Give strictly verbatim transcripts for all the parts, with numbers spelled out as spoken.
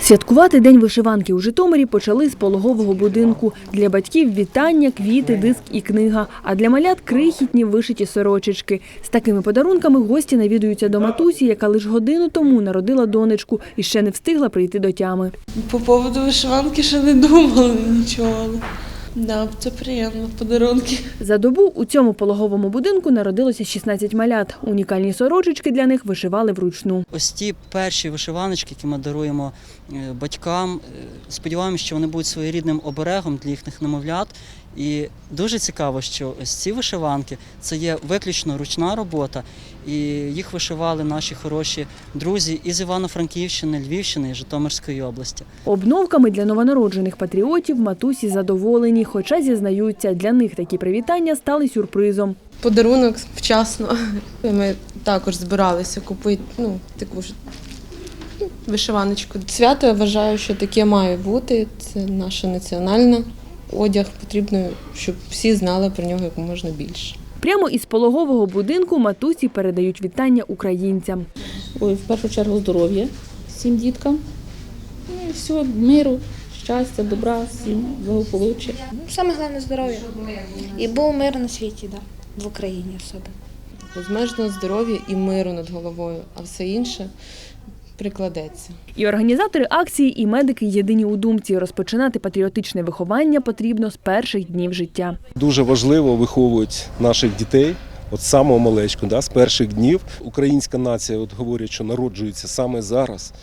Святкувати День вишиванки у Житомирі почали з пологового будинку. Для батьків – вітання, квіти, диск і книга. А для малят – крихітні вишиті сорочечки. З такими подарунками гості навідуються до матусі, яка лише годину тому народила донечку і ще не встигла прийти до тями. По поводу вишиванки ще не думала нічого. Да, це приємно, подарунки. За добу у цьому пологовому будинку народилося шістнадцять малят. Унікальні сорочечки для них вишивали вручну. Ось ті перші вишиваночки, які ми даруємо батькам, сподіваємося, що вони будуть своєрідним оберегом для їхніх немовлят. І дуже цікаво, що ось ці вишиванки – це є виключно ручна робота, і їх вишивали наші хороші друзі із Івано-Франківщини, Львівщини і Житомирської області. Обновками для новонароджених патріотів матусі задоволені, хоча, зізнаються, для них такі привітання стали сюрпризом. Подарунок вчасно. Ми також збиралися купити ну, таку ж вишиваночку. Свято, я вважаю, що таке має бути. Це наша національна. Одяг потрібно, щоб всі знали про нього як можна більше. Прямо із пологового будинку матусі передають вітання українцям. Ой, в першу чергу здоров'я всім діткам. Ну і всього миру, щастя, добра, всім благополуччя. Саме головне здоров'я. І був мир на світі, да, в Україні особливо. Безмежного здоров'я і миру над головою, а все інше прикладеться. І організатори акції, і медики єдині у думці – розпочинати патріотичне виховання потрібно з перших днів життя. Дуже важливо виховувати наших дітей, от з самого малечку, да, з перших днів. Українська нація, от говорять, що народжується саме зараз.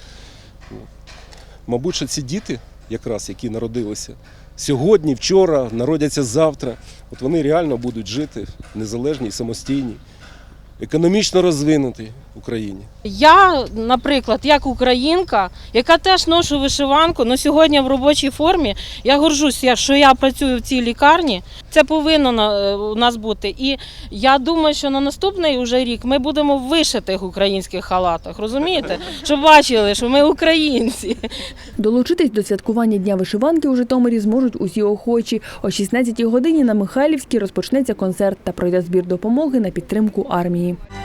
Мабуть, що ці діти, якраз які народилися сьогодні, вчора, народяться завтра, от вони реально будуть жити в незалежній, самостійній, економічно розвинутій Україні. Я, наприклад, як українка, яка теж ношу вишиванку, але сьогодні в робочій формі, я горжуся, що я працюю в цій лікарні. Це повинно у нас бути. І я думаю, що на наступний уже рік ми будемо в вишитих українських халатах, розумієте? Щоб бачили, що ми українці. Долучитись до святкування Дня вишиванки у Житомирі зможуть усі охочі. О шістнадцятій годині на Михайлівській розпочнеться концерт та пройде збір допомоги на підтримку армії.